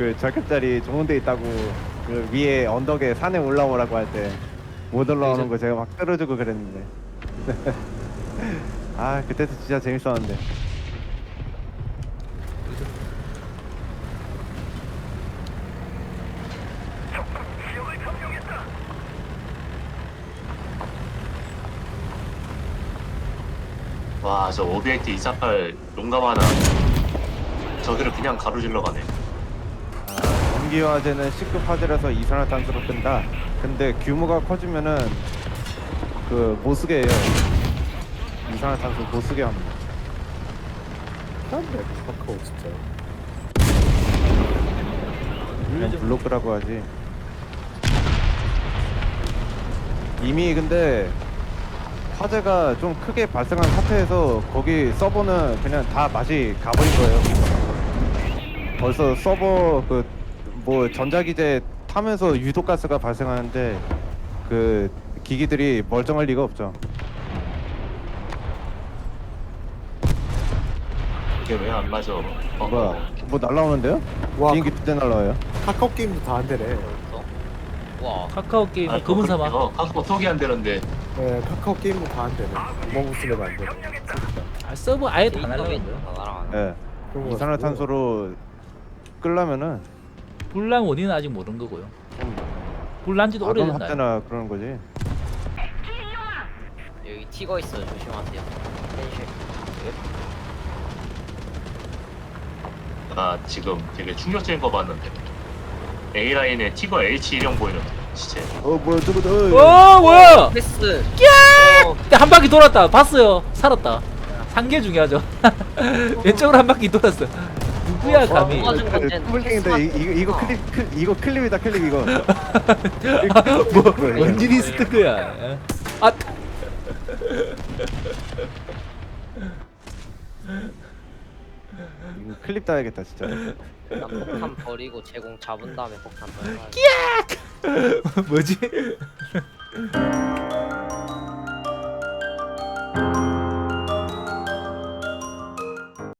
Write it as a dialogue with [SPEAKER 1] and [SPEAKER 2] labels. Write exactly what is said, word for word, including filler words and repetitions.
[SPEAKER 1] 그 절급자리 좋은 데 있다고 그 위에 언덕에 산에 올라오라고 할 때 못 올라오는 거 제가 막 끌어주고 그랬는데 아 그때도 진짜 재밌었는데.
[SPEAKER 2] 와, 저 오비엑트 이사팔 용감 하나 저기를 그냥 가로질러 가네.
[SPEAKER 1] 아, 전기 화재는 C급 화재라서 이산화탄소로 뜬다. 근데 규모가 커지면은 그 못쓰게 해요. 이산화탄소 못쓰게 합니다.
[SPEAKER 3] 딴데 카카오 진짜.
[SPEAKER 1] 그냥 블로크라고 하지. 이미 근데 화재가 좀 크게 발생한 사태에서 거기 서버는 그냥 다 맛이 가버린 거예요. 벌써 서버 그 뭐 전자기재 타면서 유독가스가 발생하는데 그 기기들이 멀쩡할 리가 없죠.
[SPEAKER 2] 이게 왜 안 맞아? 어,
[SPEAKER 1] 뭐야? 뭐 날라오는데요?
[SPEAKER 3] 와
[SPEAKER 1] 비행기 두 대 날라와요.
[SPEAKER 3] 카카오 게임도 다 안 되네.
[SPEAKER 4] 와
[SPEAKER 5] 카카오 게임
[SPEAKER 2] 아,
[SPEAKER 5] 검은 사막.
[SPEAKER 2] 어, 카카오톡이 안 되는데.
[SPEAKER 3] 네, 카카오 게임도 다 안 되네. 구멍 쓰면 안 되네.
[SPEAKER 5] 아, 서버 아예 다
[SPEAKER 4] 인터넷
[SPEAKER 5] 날라간대요.
[SPEAKER 4] 다 날아가네.
[SPEAKER 1] 예.
[SPEAKER 3] 그런 거
[SPEAKER 1] 이산화탄소로 끌려면은
[SPEAKER 5] 불난 원인은 아직 모르는 거고요. 불난지도
[SPEAKER 1] 아동
[SPEAKER 5] 오래됐나요?
[SPEAKER 1] 학대나 그런 거지.
[SPEAKER 4] 여기 티거 있어요. 조심하세요. 펜실.
[SPEAKER 2] 나 지금 되게 충격적인 거 봤는데 A라인에 티거 에이치 일형 보이는데 진짜.
[SPEAKER 1] 어 뭐야 저거 어,
[SPEAKER 5] 어 뭐야?
[SPEAKER 4] 패스. 어,
[SPEAKER 5] 그때 한 바퀴 돌았다. 봤어요. 살았다. 상계 중요하죠. 왼쪽으로 한 바퀴 돌았어. 누구야 감히?
[SPEAKER 4] 어, 맞은 건데.
[SPEAKER 1] 꿀땡인데 이- 이거 이거 클립 클, 이거 클립이다 클립 이거.
[SPEAKER 5] 뭐 원진이 스트크야. 아
[SPEAKER 1] 이거 클립 따야겠다 진짜.
[SPEAKER 4] 난 폭탄 버리고 제공 잡은 다음에 폭탄 버려.
[SPEAKER 5] 뭐지?